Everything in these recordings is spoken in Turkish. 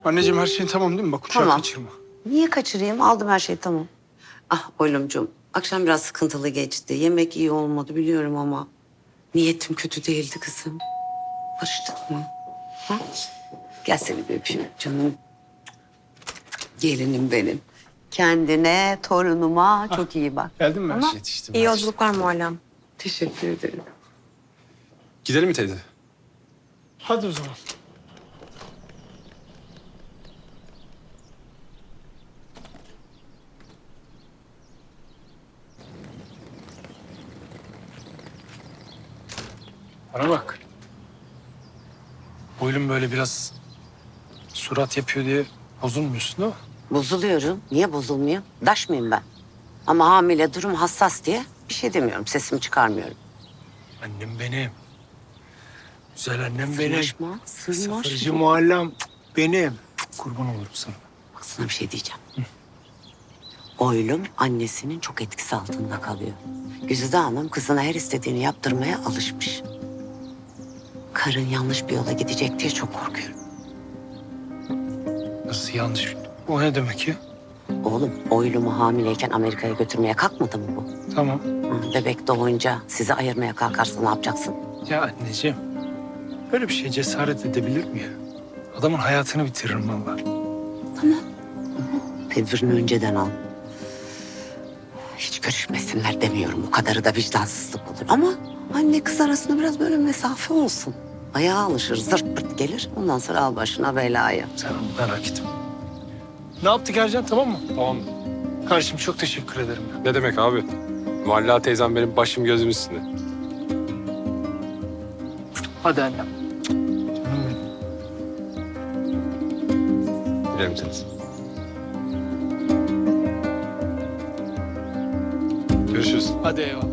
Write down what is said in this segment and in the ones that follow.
Anneciğim her şeyin tamam değil mi? Bak uçağı Tamam. kaçırma. Niye kaçırayım? Aldım her şeyi, tamam. Ah oğlumcuğum, akşam biraz sıkıntılı geçti. Yemek iyi olmadı biliyorum ama niyetim kötü değildi kızım. Barıştık mı? Ha? Gel seni bir öpeyim canım. Gelinim benim. Kendine, torunuma çok iyi bak. Geldin mi her Ama şey yetiştim. İyi yolculuklar Muallem. teşekkür ederim. Gidelim mi teyze? Hadi o zaman. Bana bak. Boylum böyle biraz surat yapıyor diye bozulmuyorsun değil mi? Bozuluyorum. Niye bozulmuyor? Daş mıyım ben? Ama hamile, durum hassas diye bir şey demiyorum. Sesimi çıkarmıyorum. Annem benim. Güzel annem benim. Sırnaşma, sırnaşma. Sıfırcı muallem benim. Kurban olurum sana. Bak sana bir şey diyeceğim. Oylum annesinin çok etkisi altında kalıyor. Güzide Hanım kızına her istediğini yaptırmaya alışmış. Karın yanlış bir yola gidecek diye çok korkuyorum. Nasıl yanlış? O ne demek ya? Oğlum oylumu hamileyken Amerika'ya götürmeye kalkmadı mı bu? Tamam. Bebek doğunca sizi ayırmaya kalkarsa ne yapacaksın? Ya anneciğim. Böyle bir şey cesaret edebilir mi ya? Adamın hayatını bitiririm vallahi. Tedbirini önceden al. Hiç görüşmesinler demiyorum. Bu kadarı da vicdansızlık olur. Ama anne kız arasında biraz böyle mesafe olsun. Ayağa alışır, zırt pırt gelir. Ondan sonra al başına belayı. Sen merak etme. Ne yaptık Ercan, tamam mı? Tamam. Kardeşim çok teşekkür ederim. Ne demek abi? Mualla teyzem benim başım gözüm üstünde. Hadi annem. Canım benim. Gidelim teyze. Görüşürüz. Hadi eyvallah.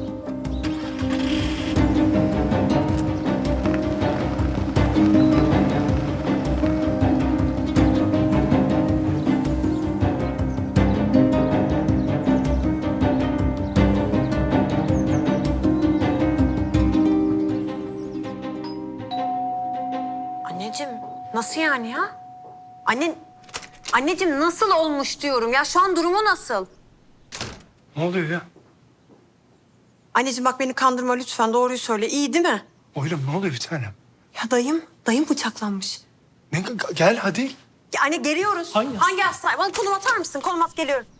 Anneciğim nasıl yani ya? Anneciğim nasıl olmuş diyorum ya, şu an durumu nasıl? Ne oluyor ya? Anneciğim bak beni kandırma lütfen, doğruyu söyle, iyi değil mi? Oğlum ne oluyor bir tanem? Ya dayım bıçaklanmış. Ne, gel hadi. Ya anne geliyoruz. Hangi Hangi hastane? Bana konum atar mısın? Konum at, geliyorum.